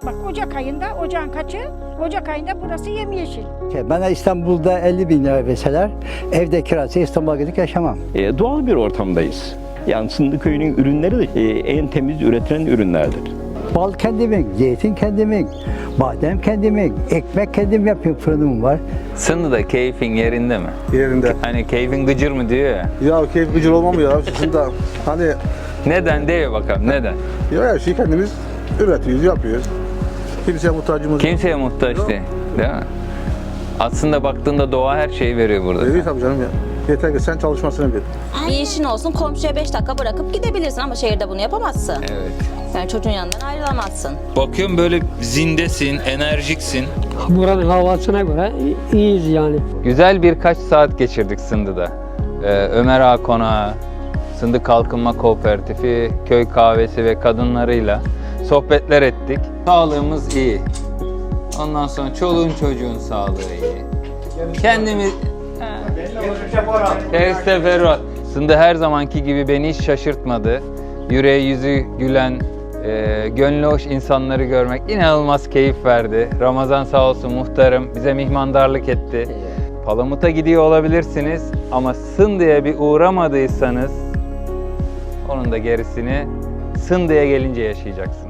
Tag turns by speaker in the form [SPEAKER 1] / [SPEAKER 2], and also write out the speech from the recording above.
[SPEAKER 1] Bak Ocak ayında, ocağın kaçı? Ocak ayında burası yemyeşil.
[SPEAKER 2] Bana İstanbul'da 50.000 lira verseler evde kirası İstanbul'a gidip yaşamam.
[SPEAKER 3] Doğal bir ortamdayız. Yani Sındıköy'ün ürünleri de en temiz üretilen ürünlerdir.
[SPEAKER 2] Bal kendimin, zeytin kendimin, badem kendimin, ekmek kendim yapıyorum, fırınım var.
[SPEAKER 4] Sındı'da keyfin yerinde mi?
[SPEAKER 5] Yerinde.
[SPEAKER 4] Hani keyfin gıcır mı diyor ya.
[SPEAKER 5] Ya keyif gıcır olmam ya. Şimdi hani
[SPEAKER 4] Neden diyor bakalım, neden?
[SPEAKER 5] ya her şeyi kendimiz üretiyoruz, yapıyoruz. Kimseye muhtacımız yok.
[SPEAKER 4] Kimseye muhtaç değil, değil mi? Aslında baktığında doğa her şeyi veriyor burada.
[SPEAKER 5] Değil tabii canım ya. Yeter ki sen çalışmasını bil.
[SPEAKER 6] Bir işin olsun, komşuya 5 dakika bırakıp gidebilirsin ama şehirde bunu yapamazsın.
[SPEAKER 4] Evet.
[SPEAKER 6] Yani çocuğun yanından ayrılamazsın.
[SPEAKER 4] Bakıyorum böyle zindesin, enerjiksin.
[SPEAKER 7] Buranın havasına göre iyiyiz yani.
[SPEAKER 4] Güzel birkaç saat geçirdik Sındı'da. Ömer Ağa Konağı, Sındı Kalkınma Kooperatifi, köy kahvesi ve kadınlarıyla sohbetler ettik. Sağlığımız iyi. Ondan sonra çoluğun çocuğun sağlığı iyi. Kendimiz... Teferruat. Sındı her zamanki gibi beni hiç şaşırtmadı. Yüreği yüzü gülen, gönlü hoş insanları görmek inanılmaz keyif verdi. Ramazan sağ olsun muhtarım bize mihmandarlık etti. Palamut'a gidiyor olabilirsiniz ama Sındı'ya bir uğramadıysanız onun da gerisini Sındı'ya gelince yaşayacaksınız.